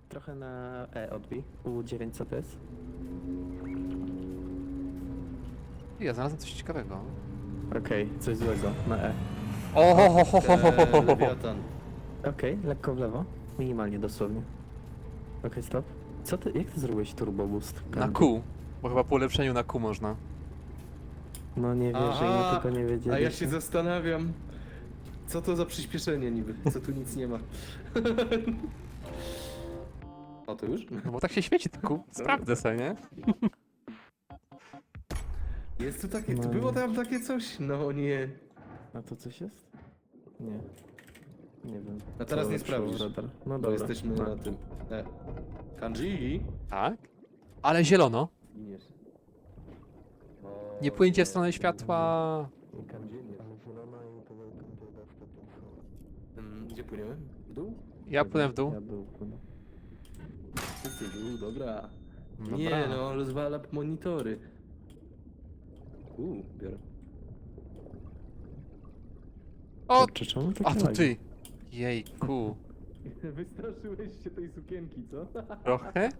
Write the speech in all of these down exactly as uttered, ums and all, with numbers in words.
Trochę na E odbij. U dziewięć co to jest? Ja znalazłem coś ciekawego. Okej, coś złego. Na E. O, ho, ho, ho, ho, ho, ho, ho. Lewiatan. Okej, lekko w lewo. Minimalnie dosłownie. Okej, stop. Co ty, jak ty zrobiłeś turbo boost? Na Q. Bo chyba po ulepszeniu na Q można. No nie wierzę, i my Aha, tylko nie wiedzieliśmy. a ja się zastanawiam, co to za przyspieszenie niby, co tu nic nie ma. O, to już? No bo tak się świeci to Q. Sprawdzę sobie, nie? Jest tu takie, No. było tam takie coś? No nie. A to coś jest? Nie. Nie wiem. A teraz Co nie lepszyło sprawdzisz, radar? No bo dobra. jesteśmy no. na tym. E. Kanji? Tak. Ale zielono. Giniesz. Nie płyńcie w stronę światła. Mm, Gdzie płyniemy? W dół? Ja płynę w dół. Ja był płynę. Wszyscy w dół, dobra. Dobra. Nie no, rozwala monitory. Uuu, biorę. O! Kurczę, czemu tak A to lagi? ty. Jejku. Wystraszyłeś się tej sukienki, co? Trochę?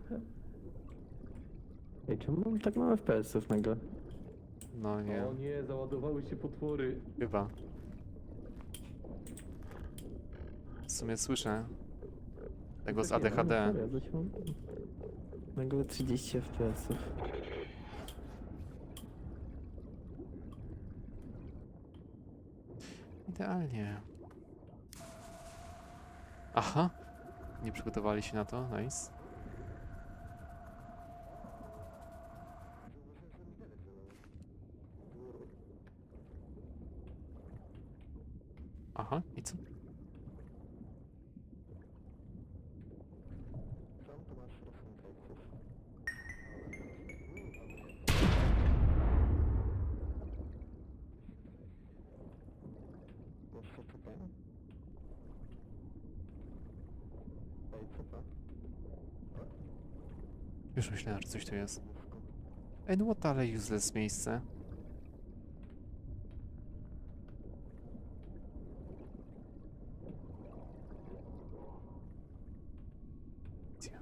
Ej, czemu mam tak mało F P S-ów nagle? No nie. O nie, załadowały się potwory. Chyba. W sumie słyszę. Tego z A D H D. No, serio, coś mam... Nagle trzydzieści F P S-ów. Idealnie. Aha. Nie przygotowali się na to. Nice. Aha, i co? Już myślałem, że coś tu jest. Ej, no what ale useless miejsce. Gdzie?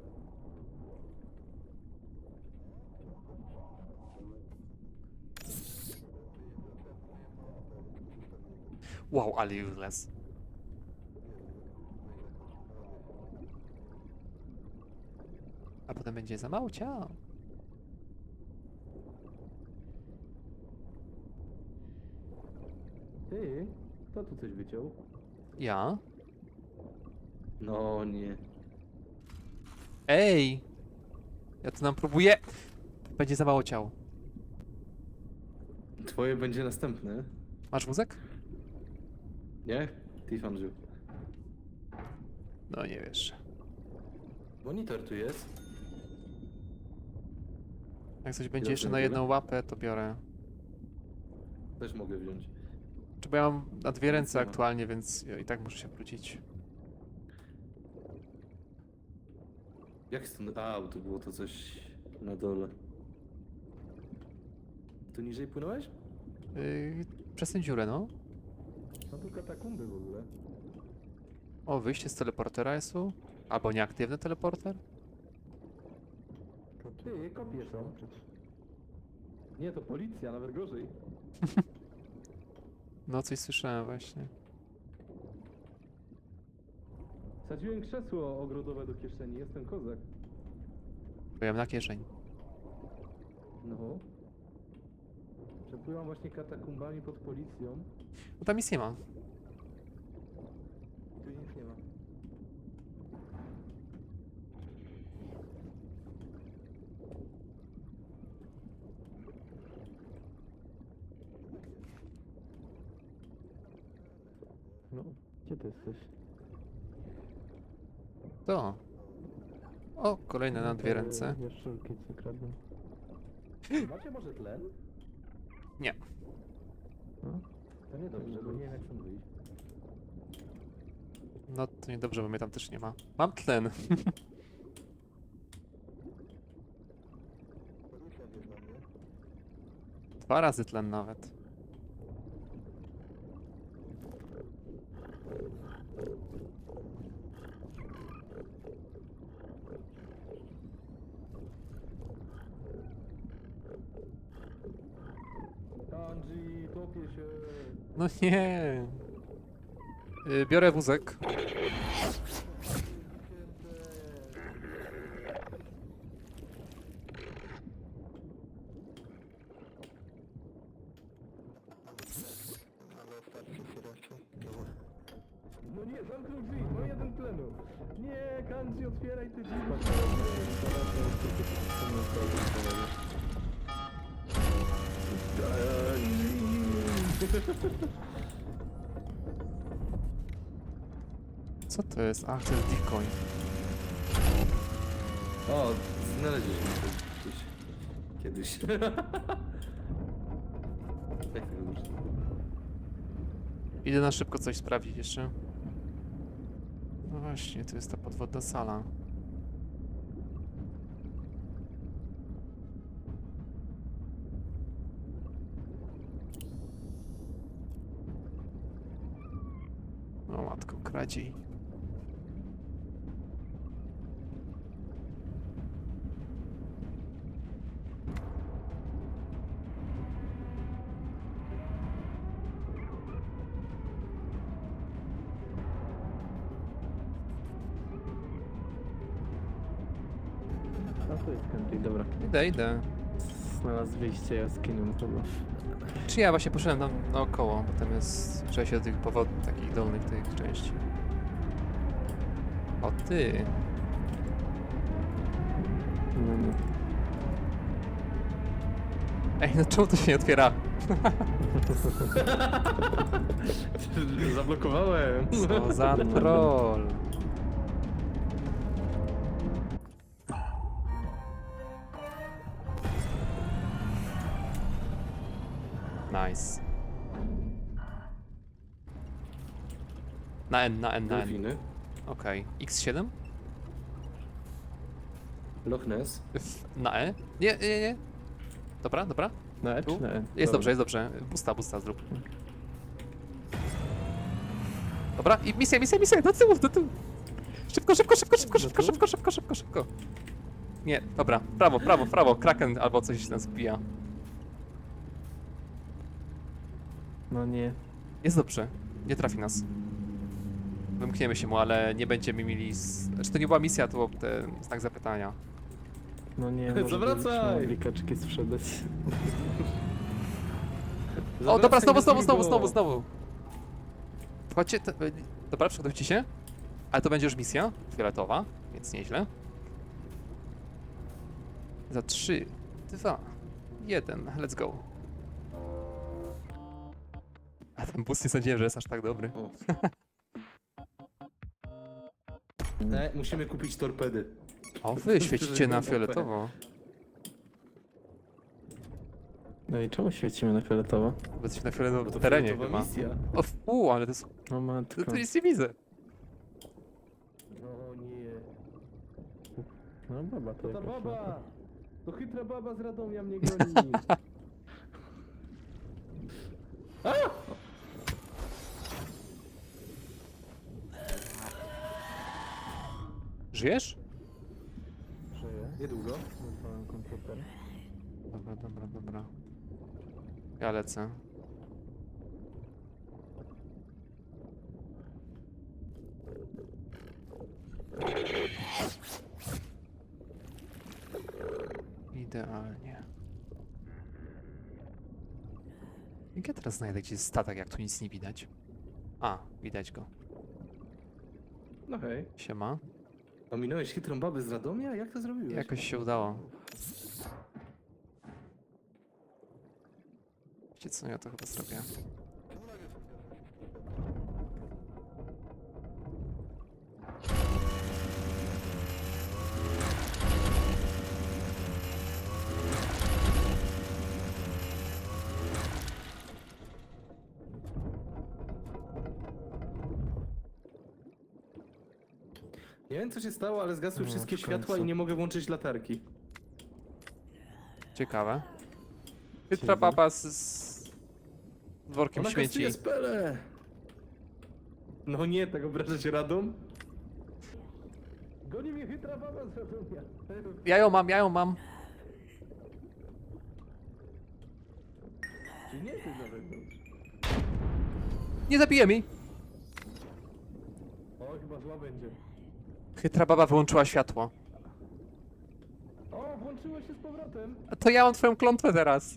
Wow, ale useless. A potem będzie za mało ciał. Ty, kto tu coś wyciął? Ja? No nie. Ej! Ja tu nam próbuję. Będzie za mało ciał. Twoje będzie następne. Masz wózek? Nie? Tifan żył. No nie wiesz. Monitor tu jest. Jak coś będzie Dobrze, jeszcze na tyle? jedną łapę, to biorę. Też mogę wziąć. Czy bo ja mam na dwie ręce Nic nie ma. aktualnie, więc ja i tak muszę się wrócić. Jak stąd? A, bo tu było to coś na dole. Tu niżej płynąłeś? Yy, przez tę dziurę, no. No tu katakumby w ogóle. O, wyjście z teleportera jest tu. Albo nieaktywny teleporter. Ty, kopie są. Nie, to policja, nawet gorzej. No, coś słyszałem właśnie. Sadziłem krzesło ogrodowe do kieszeni, jestem kozak. Byłem na kieszeń. No. Przepływam właśnie katakumbami pod policją. No tam nic nie ma. Tu nic nie ma. No, gdzie ty jesteś? To. O, kolejne na dwie ręce. Jaszczurki, co kradną. Macie może tlen? Nie. No. To nie dobrze, bo nie wiem jak stąd wyjść. No to niedobrze, bo mnie tam też nie ma. Mam tlen. Dwa razy tlen nawet. No nie. Y, Biorę wózek. No nie, zamknął drzwi, no jeden tlenu. Nie, Kanji, otwieraj te drzwi. Co to jest? Ach, to jest decoy. O, znaleźliśmy to gdzieś. Kiedyś. Jak tego użyć? Idę na szybko coś sprawdzić jeszcze. No właśnie, to jest ta podwodna sala. O matko, kradziej. A to jest country, dobra. Idę, idę. Znalazł wyjście jaskinią chyba. Czy ja właśnie poszedłem tam naokoło, bo tam jest przejście do tych powodów takich dolnych tych części. O ty! No nie. Ej, no czemu to się nie otwiera? Zablokowałem. Co za troll! Nice. Na N, na N, na N. Delfiny. Okej. X siedem? Loch Ness. F- Na E? Nie, nie, nie. Dobra, dobra. Na E Tu? czy na E? Jest Dobra. dobrze, jest dobrze. Busta, busta zrób. Dobra, i misja, misja, misja, do tyłu, do tyłu. Szybko, szybko, szybko, szybko, Do szybko, tyłu? szybko, szybko, szybko, szybko. Nie, dobra, prawo, prawo, prawo, Kraken albo coś nas wbija. No nie. Jest dobrze, nie trafi nas. Wymkniemy się mu, ale nie będziemy mieli... Z... Znaczy to nie była misja, to był ten znak zapytania. No nie, może Zawracaj! byśmy mogli kaczki sprzedać. O, dobra, znowu, znowu, Zawracaj znowu, go. znowu, znowu. Wchodźcie, te... dobra, przygotujcie się. Ale to będzie już misja fioletowa, więc nieźle. Za trzy, dwa, jeden, let's go. A ten bus nie sądziłem, że jest aż tak dobry. O. E, musimy kupić torpedy. O, wy świecicie na fioletowo. No i czemu świecimy na fioletowo? Bo jesteśmy na Bo fioletowym to terenie fioletowa chyba. misja. O, fu, ale to jest... O matko. To, to nic nie widzę. No nie. No baba to To ta jakaś baba! To chytra baba z Radomia mnie goni. A! Żyjesz? Żyje. Niedługo. Wypałem komputer. Dobra, dobra, dobra. Ja lecę. Idealnie. Jak ja teraz znajdę gdzie jest statek, jak tu nic nie widać? A, widać go. No hej. Siema. Ominąłeś chytrą babę z Radomia? Jak to zrobiłeś? Jakoś się udało. Wiecie co, ja to chyba zrobię. Nie wiem co się stało, ale zgasły No, wszystkie w światła końcu. i nie mogę włączyć latarki. Ciekawe. Chytra Ciekawe. baba z, z workiem Ona śmieci. kastuje spele! No nie, tak obrażać Radom? Goni mnie chytra baba z Radomia. Ja ją mam, ja ją mam. Czy nie ty na zewnątrz? Nie zabije mi! O, chyba zła będzie. Chytra baba wyłączyła światło. O, włączyło się z powrotem. A to ja mam twoją klątwę teraz.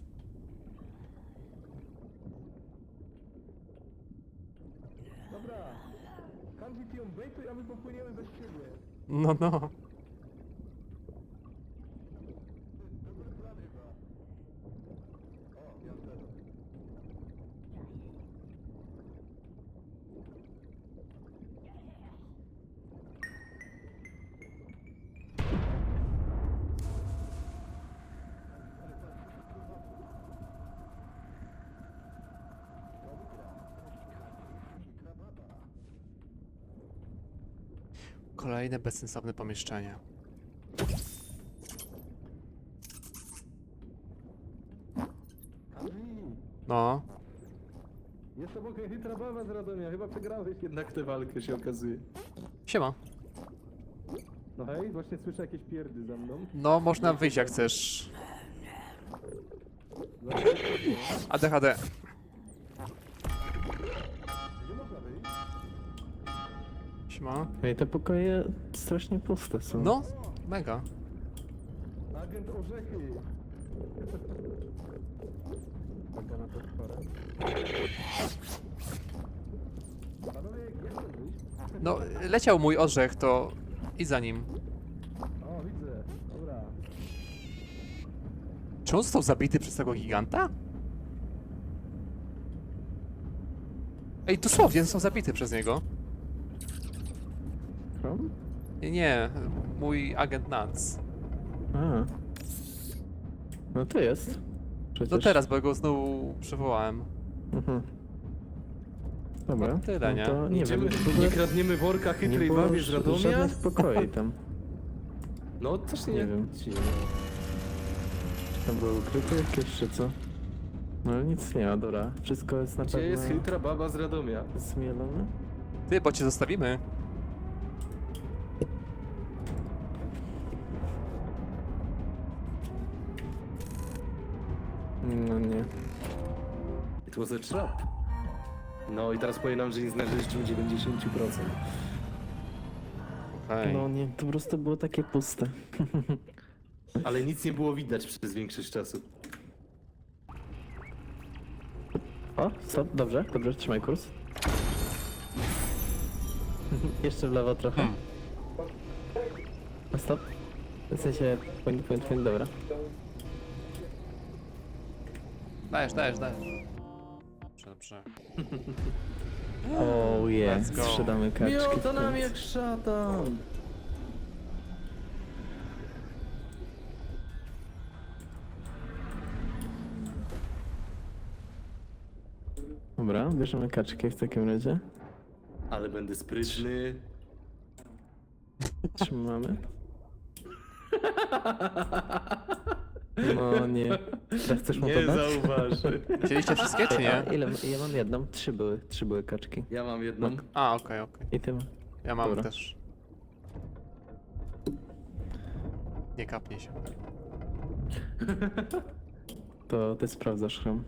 Dobra. Kanji ty ją bejtuj, a my popłyniemy bez siebie. No, no. Dobry plan chyba. O, ja też. Kolejne bezsensowne pomieszczenie. Kanji, No. jest obok chytra baba z Radomia. Chyba przegrałeś jednak tę walkę, się okazuje. Siema. No hej, właśnie słyszę jakieś pierdy za mną. No, można wyjść jak chcesz. A D H D. Gdzie można wyjść? Siema. Ej, te pokoje strasznie puste są. No, mega. Agent Orzechy. Uwaga na to spora. Panowie, jak to wyjść? No, leciał mój orzech, to i za nim. O, widzę. Dobra. Czy on został zabity przez tego giganta? Ej, dosłownie został zabity przez niego. Krom? Nie, nie, mój agent Nance. A. No to jest. Przecież. No teraz, bo go znowu przywołałem. Mhm. Dobra. No tyle, nie? No to nie Idziemy, wiem, w ogóle nie kradniemy worka nie chytrej było babie z ż- Radomia? żadnych pokoi tam. No, też nie, Nie wiem. Tam były ukryte jakieś czy co? No ale nic nie ma, dobra. Wszystko jest na Gdzie pewno jest chytra baba z Radomia? zmielone. Ty, bo cię zostawimy. No nie. It was a trap. No i teraz powie nam, że nie znaleźliśmy dziewięćdziesiąt procent. Okej. No nie, to po prostu było takie puste. Ale nic nie było widać przez większość czasu. O, stop, dobrze, dobrze, trzymaj kurs. Jeszcze w lewo trochę. Hmm. O, stop. W sensie, point, point, point, dobra. Dajesz, dajesz, dajesz. Dobrze, dobrze. O je, Let's go. sprzedamy kaczki. Miota w nam końcu. jak szatan! Dobra, bierzemy kaczkę w takim razie. Ale będę sprytny. Trzymamy. No nie. Teraz chcesz mu Nie podać? zauważy. Chcieliście wszystkie, czy nie? A ile? Ja mam jedną. Trzy były. Trzy były kaczki. Ja mam jedną. A, okej, okej. I ty ma. Ja mam Dobra. też. Nie kapnie się. To ty sprawdzasz chrom.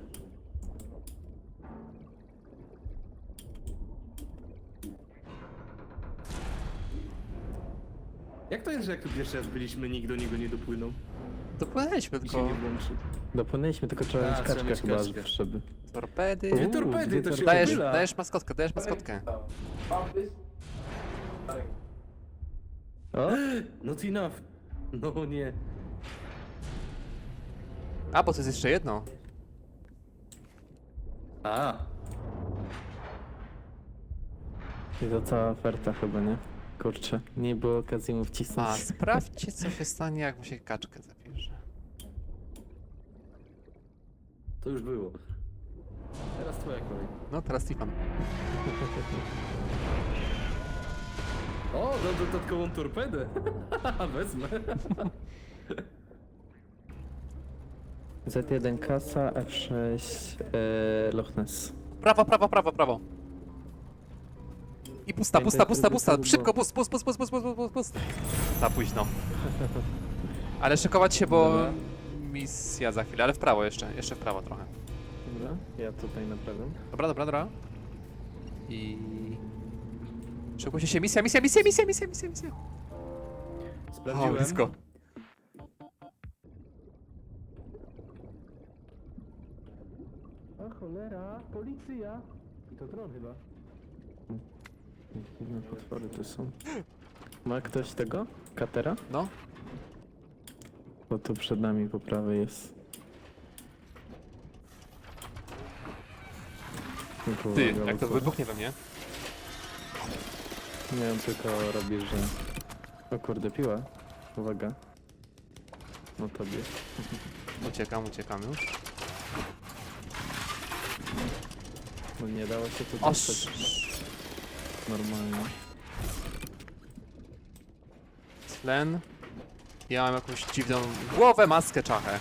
Jak to jest, że jak tu pierwszy raz byliśmy, nikt do niego nie dopłynął Dopłynęliśmy i się tylko nie włączył? Dopłynęliśmy, tylko trzeba A, mieć trzeba kaczkę mieć chyba, kaczkę. żeby... torpedy. Dwie Uuu, torpedy, dwie to się torpedy. Dajesz, pomyla. dajesz maskotkę, dajesz maskotkę. O! Not enough. No nie. A, bo to jest jeszcze jedno. A, I to cała oferta chyba, nie? Kurczę, nie było okazji mu wcisnąć. A, sprawdźcie, co się stanie, jak mu się kaczkę zabierze. to już było. Teraz twoja kolej. No, teraz Stefan. O, dam dodatkową torpedę. Wezmę. Z jeden kasa, F sześć e, Loch Ness. Prawo, prawo, prawo, prawo. I pusta, pusta, pusta, pusta. Turbo. Szybko, pust, pust, pust, pust, pust, pust, pust, pust. Za późno. Ale szykować się, bo Dobra. misja za chwilę, ale w prawo jeszcze, jeszcze w prawo trochę. Dobra, ja tutaj naprawiam. Dobra, dobra, dobra. I... Szykujcie się, misja, misja, misja, misja, misja, misja, misja. O, Sprawdziłem. blisko. A cholera, policja. I to dron chyba. Dziwne potwory tu są. Ma ktoś tego? Katera? No, Bo tu przed nami po prawej jest. Tylko ty, uwaga, jak to bo wybuchnie we mnie. Nie wiem, tylko robię, że... O kurde, piła. Uwaga. No tobie. Uciekam, uciekam już. No nie dało się tu O, dostać normalnie. tlen. Ja mam jakąś dziwną głowę, maskę, czachę.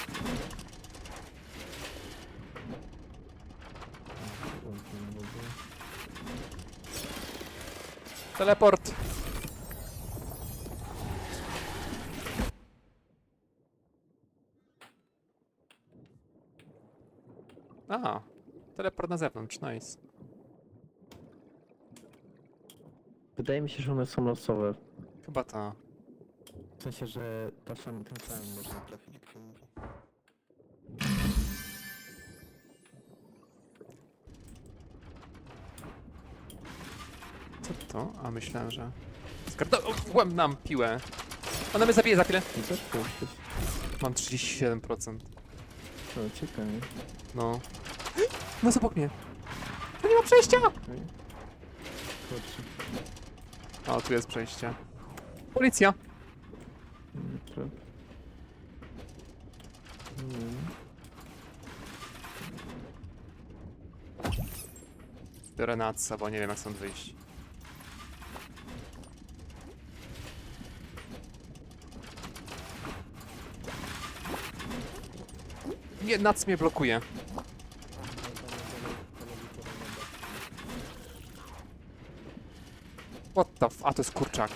Teleport. A, teleport na zewnątrz, nice. Wydaje mi się, że one są losowe. Chyba ta. W sensie, że czasem tym samym można trafić. jak się mówi. Co to? A myślałem, że... Skartowałem nam piłę. Ona mnie zabije za chwilę. I też tu jesteś. Mam trzydzieści siedem procent. O, ciekawie. No. No obok mnie. To nie ma przejścia! Okej. Kurczę. O, tu jest przejście. Policja. Nie, traf. Nie wiem. Biorę natsa, bo nie wiem jak stąd wyjść. Nie, nac mnie blokuje. What the f... A, to jest kurczak.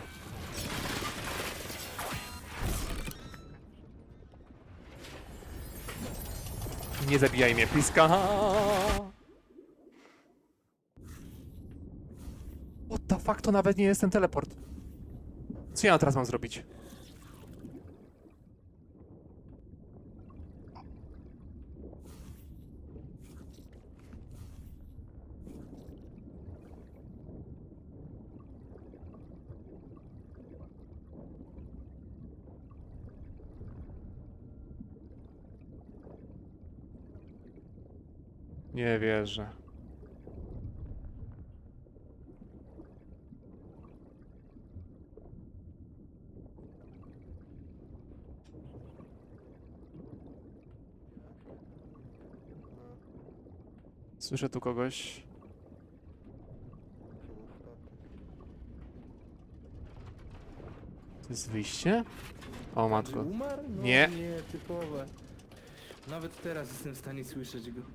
Nie zabijaj mnie, pliska. What the fuck, to nawet nie jest ten teleport. Co ja teraz mam zrobić? Nie wierzę. Słyszę tu kogoś. To jest wyjście? O matko. Umarł? No, Nie. Nie, typowe. Nawet teraz jestem w stanie słyszeć go.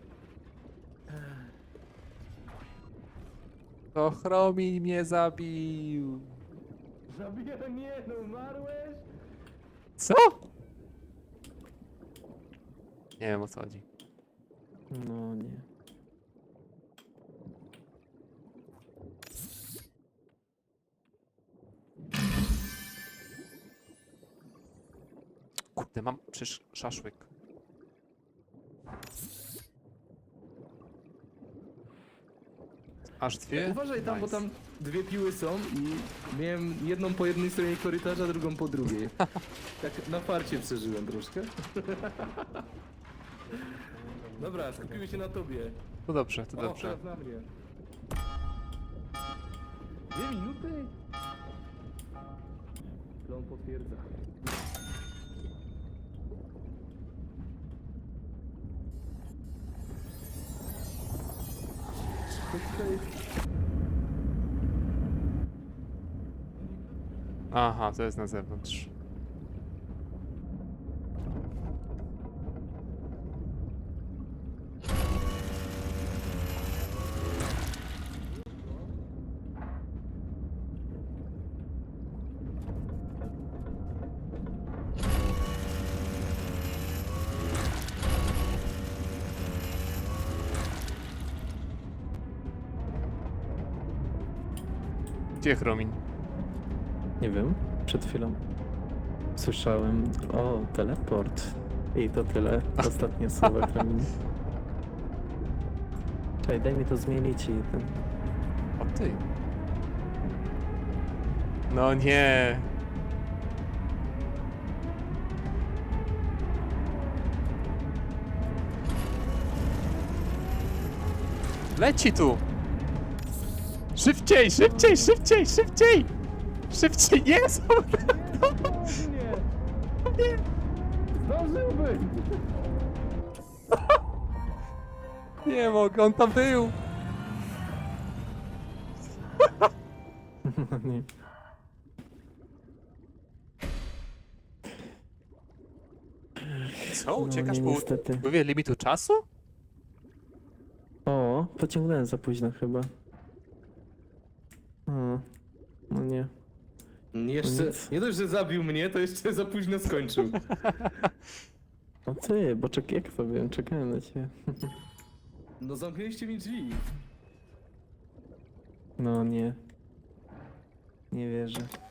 To Chromi mnie zabił. Zabija, nie no, umarłeś? Co? Nie wiem o co chodzi. No nie. Kurde, mam przecież szaszłyk. Aż dwie? Uważaj tam, bo Nice. tam dwie piły są i miałem jedną po jednej stronie korytarza, drugą po drugiej. Tak na farcie przeżyłem troszkę. Dobra, skupimy się na tobie. To dobrze, to O, dobrze. teraz na mnie. Dwie minuty? Plon potwierdza. Coś tutaj... Aha, to jest na zewnątrz. Gdzie Chromin? Nie wiem, przed chwilą słyszałem, o, teleport. I to tyle. Ostatnie słowa Kremlin. Czekaj, daj mi to zmienić i ten... O ty. No nie. Leci tu! Szybciej, szybciej, szybciej, szybciej! Szybciej, jest! Nie! Zdążyłbym! Nie mogę, on tam był! nie. Co? No, Uciekasz nie, po niestety. upływie limitu czasu? O, pociągnąłem za późno chyba. O, no nie. Jeszcze, Nic. nie dość, że zabił mnie, to jeszcze za późno skończył. O ty, bo czek jak to wiem, czekałem na ciebie. No zamknęliście mi drzwi. No nie. Nie wierzę.